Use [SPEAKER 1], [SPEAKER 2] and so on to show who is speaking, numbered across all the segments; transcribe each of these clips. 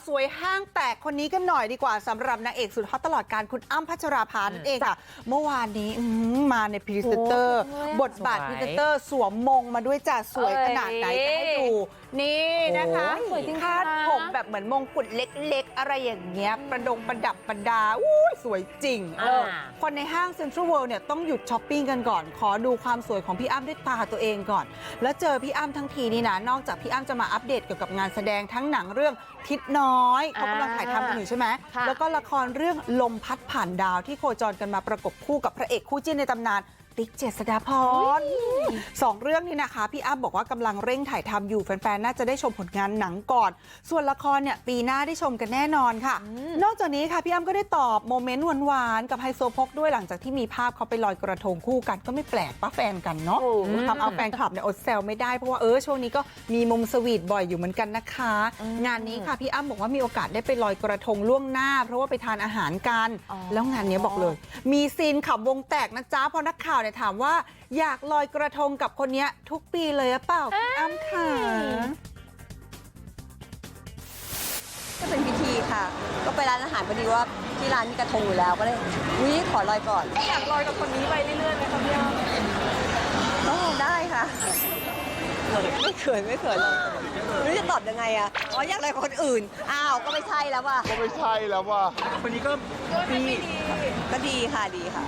[SPEAKER 1] สวยห้างแตกคนนี้กันหน่อยดีกว่าสำหรับนางเอกสุดฮอตตลอดการคุณอ้ำพัชราภานั่นเองค่ะเมื่อวานนี้มาในพรีเซนเตอร์บทบาทพรีเซนเตอร์สวมมงมาด้วยจ้ะสวยขนาดไหนจะให้ดูนี่นะคะคาดผมแบบเหมือนมงกุฎเล็กๆอะไรอย่างเงี้ยประดับประดาสวยจริงคนในห้างเซ็นทรัลเวิลด์เนี่ยต้องหยุดช้อปปิ้งกันก่อนขอดูความสวยของพี่อ้ำด้วยตาตัวเองก่อนแล้วเจอพี่อ้ำทั้งทีนี่นะนอกจากพี่อ้ำจะมาอัปเดตเกี่ยวกับงานแสดงทั้งหนังเรื่องทิศน้อยเขากำลังถ่ายทำกันอยู่ใช่ไหมแล้วก็ละครเรื่องลมพัดผ่านดาวที่โคจรกันมาประกบคู่กับพระเอกคู่จิ้นในตำนานติ๊กเจษฎาพรสองเรื่องนี้นะคะพี่อ้ำบอกว่ากำลังเร่งถ่ายทำอยู่แฟนๆน่าจะได้ชมผลงานหนังก่อนส่วนละครเนี่ยปีหน้าได้ชมกันแน่นอนค่ะนอกจากนี้ค่ะพี่อ้ำก็ได้ตอบโมเมนต์หวานๆกับไฮโซโพกด้วยหลังจากที่มีภาพเขาไปลอยกระทงคู่กันก็ไม่แปลกป้าแฟนกันเนาะทำเอาแฟนคลับเนี่ยอดแซวไม่ได้เพราะว่าช่วงนี้ก็มีมุมสวีทบ่อยอยู่เหมือนกันนะคะงานนี้ค่ะพี่อ้ำบอกว่ามีโอกาสได้ไปลอยกระทงล่วงหน้าเพราะว่าไปทานอาหารกันแล้วงานนี้บอกเลยมีซีนขำวงแตกนะจ๊ะเพราะนักข่าวเนี่ยถามว่าอยากลอยกระทงกับคนนี้ทุกปีเลยหรือเปล่าพี่อ้ำค่ะ
[SPEAKER 2] ก็เป็นพิธีค่ะก็ไปร้านอาหารพอดีว่าที่ร้านมีกระทงอยู่แล้วก็เลยขอลอยก่อน
[SPEAKER 3] อยากลอยกับคนนี้ไปเรื่อยๆไหมคะพี่อ้ำ
[SPEAKER 2] ก็ได้ค่ะไม่เขินเลยไม่รู้จะตอบยังไงอ่ะอยากลอยกับคนอื่นอ้าวก็ไม่ใช่แล้วว่ะ
[SPEAKER 4] คนนี้ก็
[SPEAKER 2] ดีค่ะ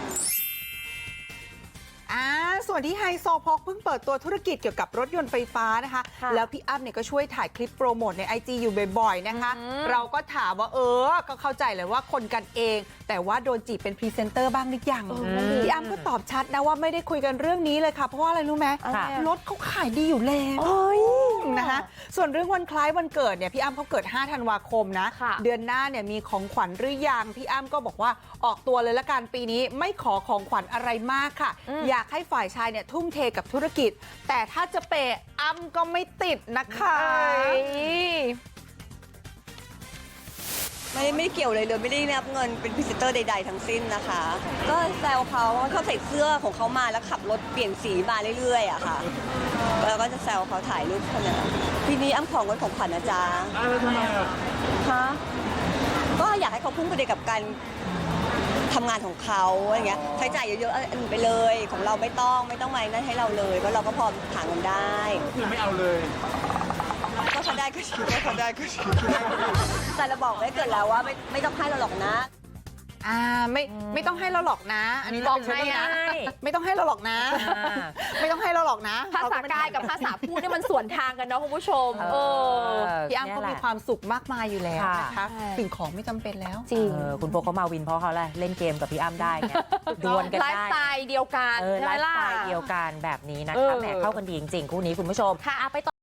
[SPEAKER 1] ส่วนที่ไฮโซโพกเพิ่งเปิดตัวธุรกิจเกี่ยวกับรถยนต์ไฟฟ้านะคะแล้วพี่อ้ำเนี่ยก็ช่วยถ่ายคลิปโปรโมทใน IG อยู่บ่อยๆนะคะเราก็ถามว่าก็เข้าใจเลยว่าคนกันเองแต่ว่าโดนจีบเป็นพรีเซนเตอร์บ้างหรือยังพี่อ้ำก็ตอบชัดนะว่าไม่ได้คุยกันเรื่องนี้เลยค่ะเพราะว่าอะไรรู้ไหมรถเขาขายดีอยู่แล้วนะคะส่วนเรื่องวันคล้ายวันเกิดเนี่ยพี่อ้ำเขาเกิด5 ธันวาคมนะเดือนหน้าเนี่ยมีของขวัญหรือยังพี่อ้ำก็บอกว่าออกตัวเลยละกันปีนี้ไม่ขอของขวัญอะไรมากค่ะอยากให้ฝ่ายชายเนี่ยทุ่มเทกับธุรกิจแต่ถ้าจะเปย์อ้ำก็ไม่ติดนะคะ
[SPEAKER 2] ไม่เกี่ยวเลยไม่ได้รับเงินเป็นพรีเซนเตอร์ใดๆทั้งสิ้นนะคะก็แซวเขาใส่เสื้อของเขามาแล้วขับรถเปลี่ยนสีมาเรื่อยๆอะค่ะแล้วก็จะแซวเขาถ่ายรูปคนนั้นทีนี้อ้ำของขวัญนะจ๊ะ
[SPEAKER 4] ทำไมอ่ะ
[SPEAKER 2] คะก็อยากให้เขาพุ่งไปกับการทำงานของเขาอะไรเงี้ยใช้จ่ายเยอะๆไปเลยของเราไม่ต้องมานั่นให้เราเลยเพราะเราก็พอหาเงินได้
[SPEAKER 4] คือไม่เอาเลย
[SPEAKER 2] ก็เขาได้ก็ชิวแต่เราบอกไว้เกิดแล้วว่าไม่ต้องให้เราหรอกนะ
[SPEAKER 1] ไม่ต้องให้เราหรอกนะอันนี้บอกให้นะไม่ต้องให้เราหรอกนะไม่ต้องให้เราหรอกนะ
[SPEAKER 3] ภาษากายกับภาษาพูดเนี่ยมันสวนทางกันเนาะคุณผู้ชม
[SPEAKER 1] พี่อ้ำเขามีความสุขมากมายอยู่แล้วนะคะสิ่งของไม่จำเป็นแล้ว
[SPEAKER 3] จริง
[SPEAKER 5] คุณโฟเขามาวินเพราะเขาเล่นเกมกับพี่อ้ำได้ไงดวลกันได้
[SPEAKER 3] ไลฟ์สไตล์เดียวกัน
[SPEAKER 5] ไลฟ์สไตล์เดียวกันแบบนี้นะคะแหมเข้ากันดีจริงๆคู่นี้คุณผู้ชม
[SPEAKER 3] ค่ะไปต่อ